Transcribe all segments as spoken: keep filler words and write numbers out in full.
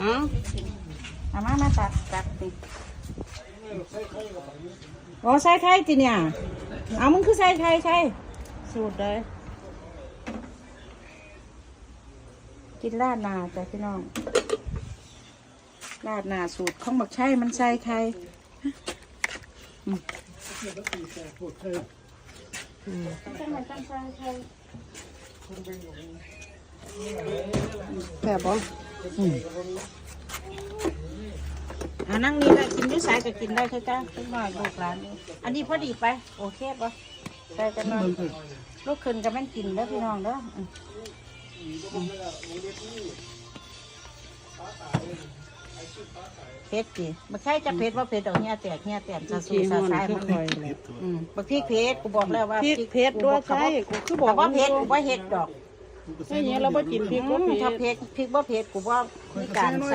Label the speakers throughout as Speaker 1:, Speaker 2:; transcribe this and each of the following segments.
Speaker 1: เอาเอามามาตัดตัดติโอ้ใส่ไข่จีเนี่ยเอามึงคือใส่ไข่ใช่สูตรเลยกินราดนาจ้ะพี่น้องราดนาสูตรของบักไช่มันใส่ไข่อืมอืมแบบบ่อืมอ่านั่งนี่ก็กินด้วยสายก็กินได้คือกันเป็นหน่อยลูกหลานนี่อันนี้พอดีไปโอเคป่ะใส่กันหน่อยลูกขึ้นก็แม่นกินแล้วพี่น้องเด้อเพชรจีไม่ใช่จะเพชรว่าเพชรดอกเนี้ยแตกเนี้ยแตกซาซูซาซายมันอืมบางทีเพชรกูบอกแล้วว่า
Speaker 2: เพชรด้วยใช่กูคือบอก
Speaker 1: ว่าเพชรกูว่าเห็ดดอก
Speaker 2: ไอ้เนี้ยเราไม่กินพริกว่า
Speaker 1: ถ้าเพชรพริกว่าเพชรกูว่ามีการใส่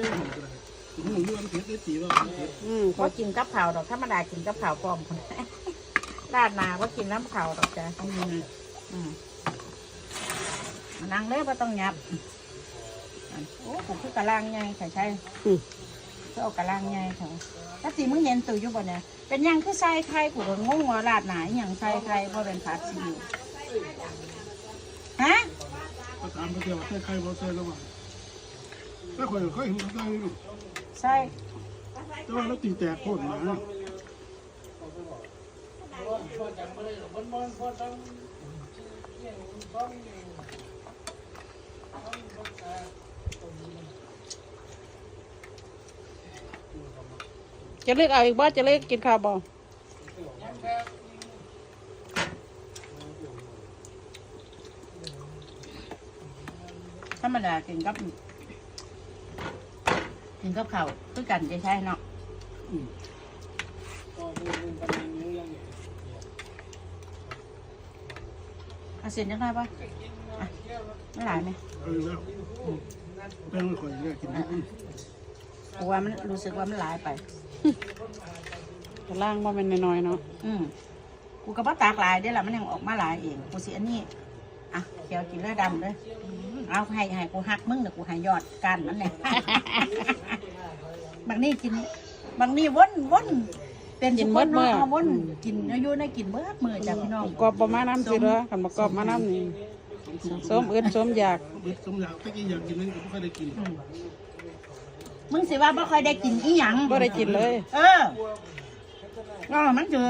Speaker 1: อืมเขากินกับเผาดอกธรรมดากินกับเผาปลอมคนราดนาว่ากินน้ำเผาดอกจ้ะอืมนั่งเลยว่าต้องยับโอ้กูคือกระลังไงใช่ใช่ก็เอากระลังไงเขาถ้าสีมึงเย็นตื่นอยู่บ่เนี่ยเป็นยังคือใส่ไข่กูก็งงว่าราดหนาอย่างใส่ไข่เพราะเป็นผัดซีอิ๊วฮะ
Speaker 3: ก็ถามไปเที่ยวใส่ไข่บ่ใส่แล้วว่าถ้าข่อยค่อยเห็นใส่ลูก
Speaker 1: ใส่
Speaker 3: แต่ว่าเราตีแตกโคตรนะ
Speaker 2: จะเลือกเอาอีกบ้าจะเลือกกินข้าวบ่
Speaker 1: ธรรมดากินกับกินกับข้าวคือกันจะใช่เนาะเอาเสร็จยังไงปะไม่หลายไหม
Speaker 3: เออแล้วแป้งข่อยเนี่ยกิน
Speaker 1: เพราะว่ามันรู้สึกว่ามันหลายไป
Speaker 2: จะล่างว่าเป็นน้อยๆเนาะ
Speaker 1: อืมกูกับว่าตากหลายได้ละมันยังออกมาหลายเองกูเสียนี่อ่ะเขียวกินเลือดดำเลยเอาให้ให้กูหักมึงเดี๋ยวกูให้ยอดกันนั่นแหละบางนี่กินบางนี่วนวนเป็นชุดเมื่อวนกินอายุในกินเมื่อเมื่อจากพี่น้อง
Speaker 2: กรอบประมาณน้ำสิเหรอขันมากรอบมาน้ำนี่ส้มอื่นส้มอยาก
Speaker 3: ส้มอยากตะกี้อยากกินนั่นก็ไม่ค่อยได้กิน
Speaker 1: มึงสิว่าไม่ค่อยได้กินอีหยัง
Speaker 2: ไม่ได้กินเลย
Speaker 1: เออก็มันเจอ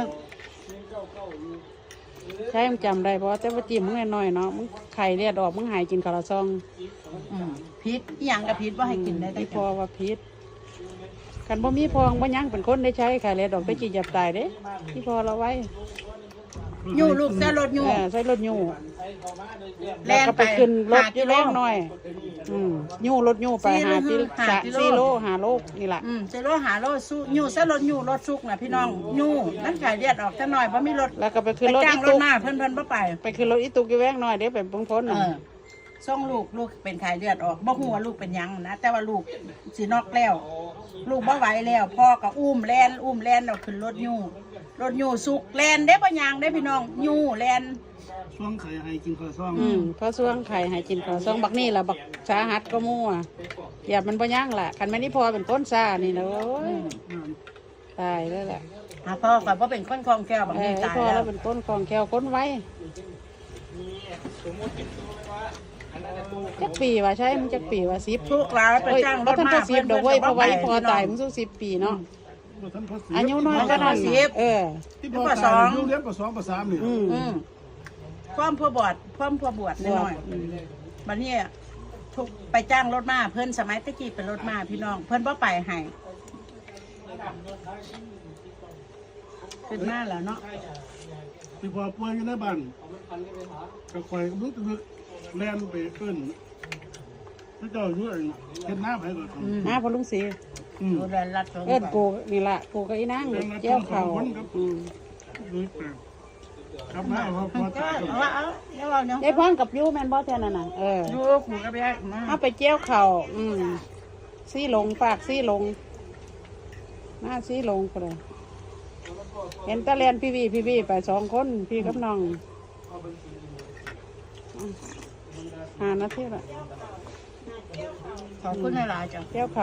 Speaker 2: ใช่มึงจำได้เพราะแต่ว่าจิ้มมึงน้อยๆเนาะมึงไข่เลียดออกมึงหายกินข้าวซอง
Speaker 1: พิษอีหยังกับพิษว่าให้กินได้
Speaker 2: ที่พอว่าพิษกันบ่มีพองบ่ยังเป็นคนได้ใช้ไข่เลียดออกไปจีจับตายเด้ที่พอเราไว้
Speaker 1: ยูลูกใส่รถยู
Speaker 2: ใส่รถยูแล้วก็ไปขึ้นรถยูแรงหน่อยอืมยูรถยูไปหาที่สี่โลหาโลนี่แหละ
Speaker 1: อืมสี่โลหาโลสู้ยูใส่รถยูรถซุกนะพี่น้องยูนั่นไข่เลียดออกซะหน่อยเพราะมีรถ
Speaker 2: แล้วก็ไปขึ้นรถ
Speaker 1: อีตุกเพิ่นเพิ่นบ่ไป
Speaker 2: ไปขึ้นรถอีตุกยูแรงหน่อยเดี๋ยวไปพ้นพ้น
Speaker 1: ส่งลูกลูกเป็นไข้เลือดออกบ่ฮู้ว่าลูกเป็นยังนะแต่ว่าลูกสินอกแล้วลูกบ่ไหวแล้วพ่อก็อุ้มแลนอุ้มแลนเอาขึ้นรถยูรถยูสุกแลนได้บ่ยังได้พี่น้องยูแลน
Speaker 3: ช่วงไข่ให้กินข้าวซอง
Speaker 2: อืมเพราะช่วงไข่ให้กินข้าวซองบักนี่ล่ะบักสาหัสก็มั่วอย่ามันบ่ยังล่ะคันแม่นี่พอเป็นก้นซ่านี่นะโอ้ยตายแล้วแหละ
Speaker 1: อ่ะพ่อก็บ่เป็นคนคล่องแคล่วบักนี่ตาย
Speaker 2: แล้วพ่อแล้วเป็นก้นคล่องแคล่วก้นไว้จักปีว่าใช่มึงจักปีว่าสิบ
Speaker 1: ทุกหลายไปจ้างรถมา
Speaker 2: สิบดอกไว้เพราะไว้พอตายมึงสู้สิบปีเนาะอายุน้อยก็นั่นเออ
Speaker 3: ที่พ่อสองเลี้ยงกับสองกับสามนี่
Speaker 1: อืมพร้อมพ่อบวชพร้อมพ่อบวชนิดหน่อยบัดนี้ทุกไปจ้างรถมาเพิ่นสมัยตะกี้เป็นรถมาพี่น้องเพิ่นบ่ไปให้ขึ้นมาแล้วเนาะ
Speaker 3: ที่พอป่วยอยู่ในบ้านก็คอยลุกตึกแล่นไปขึ้นพระเจ้าอยู่เห็นหน้าไผก่อน
Speaker 2: หน้าพอลุงศรี
Speaker 1: อืมเ
Speaker 2: อิ้นกูนี่ล่ะกูก็อีนางเจ้าเขาอืม
Speaker 3: ครับมาพอพอ
Speaker 1: เอาเอาเอาเอาเนาะ
Speaker 2: ได้พร้อมกับยูแมนบอสแทนน่ะน่ะเออ
Speaker 1: ยูขู่กับยายมา
Speaker 2: เอาไปเจ้าเข่าอืมซี่ลงปากซี่ลงหน้าซี่ลงก็เลยเห็นตะเลียนพี่วีพี่วีไปสองคนพี่กับน้องหานาทีละ
Speaker 1: ขอบคุณหลายๆจ้ะ
Speaker 2: เกี่ยวเขา